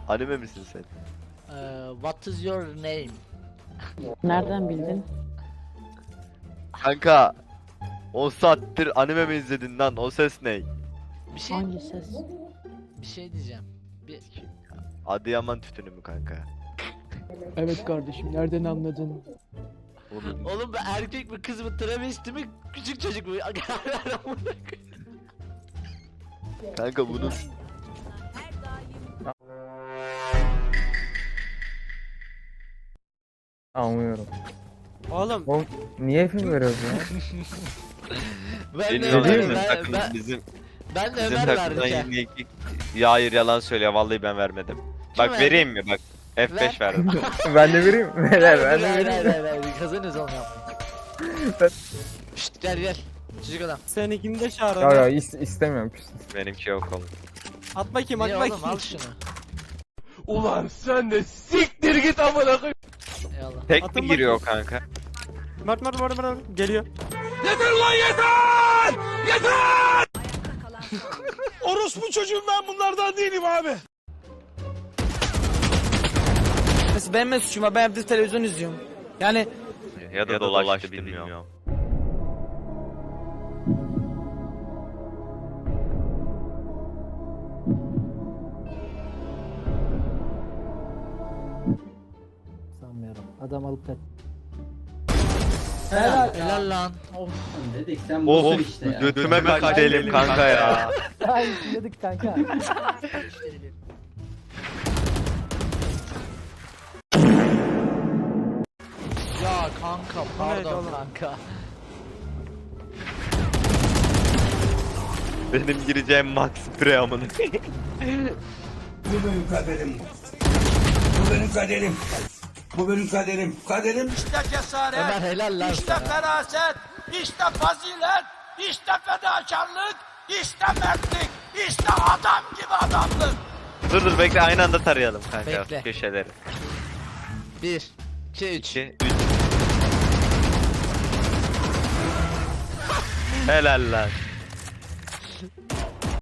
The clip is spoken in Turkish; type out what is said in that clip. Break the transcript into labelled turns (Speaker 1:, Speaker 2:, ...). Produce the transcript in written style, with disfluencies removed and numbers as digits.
Speaker 1: Anime misin sen?
Speaker 2: What is your name?
Speaker 3: Nereden bildin?
Speaker 1: Kanka 10 saattir anime mi izledin lan? O ses ne?
Speaker 3: Hangi ses?
Speaker 2: Bir şey diyeceğim.
Speaker 1: Adıyaman tütünü mü kanka?
Speaker 4: Evet kardeşim, nereden anladın?
Speaker 2: Oğlum bu erkek mi kız mı travesti mi küçük çocuk mu?
Speaker 1: Kanka bunun
Speaker 5: Anlıyorum.
Speaker 6: Oğlum
Speaker 5: Oğlum niye film veriyoruz ya?
Speaker 2: Ben de
Speaker 1: bilmiyorum
Speaker 5: değil mi?
Speaker 2: ben de
Speaker 1: bizim
Speaker 2: Ömer
Speaker 1: takımdan
Speaker 2: verdim.
Speaker 1: yine ya hayır yalan söylüyor vallahi ben vermedim. Bak
Speaker 2: verdi?
Speaker 1: vereyim mi bak F5 verdim.
Speaker 5: Ben de vereyim. Neler ben de vereyim.
Speaker 2: Hayır kazanırız oğlum yapma.
Speaker 5: Ben-
Speaker 2: Şşt gel. Çocuk adam.
Speaker 6: seninkini de çağır.
Speaker 5: Ya ya istemiyorum.
Speaker 1: Benimki yok oğlum.
Speaker 6: At bakayım at
Speaker 2: Niye
Speaker 6: bakayım.
Speaker 2: oğlum al şunu.
Speaker 7: Ulan sen de siktir git amına koyayım.
Speaker 2: Eyvallah.
Speaker 1: Tek
Speaker 6: Atın
Speaker 1: mi giriyor kanka?
Speaker 6: Mert geliyor.
Speaker 7: Yeter lan yeter! Yeter! Orospu çocuğum ben bunlardan değilim abi.
Speaker 8: Mesela benim ne suçum var? Ben evde televizyon izliyorum. Yani
Speaker 1: Ya da dolaştı bilmiyorum.
Speaker 4: Sanmıyorum. Adam alıp kaç.
Speaker 2: Helal lan. Of.
Speaker 3: Dedik sen
Speaker 1: Of götüme mi kaçtı kanka ya?
Speaker 4: Ay dedik kanka.
Speaker 2: Ya kanka
Speaker 6: neydi
Speaker 2: pardon
Speaker 6: oğlum?
Speaker 2: kanka.
Speaker 1: Benim gireceğim max pre amına.
Speaker 7: Bu benim kaderim. Bu benim kaderim. Bu benim kaderim. Kaderim işte cesaret.
Speaker 2: Ömer helal lan
Speaker 7: İşte
Speaker 2: sana.
Speaker 7: feraset. İşte fazilet. İşte fedakarlık. İşte mertlik. İşte adam gibi adamlık.
Speaker 1: Dur bekle aynı anda tarayalım kanka
Speaker 2: Bekle.
Speaker 1: köşeleri.
Speaker 2: 1 2 3
Speaker 1: 2 3 Helal lan.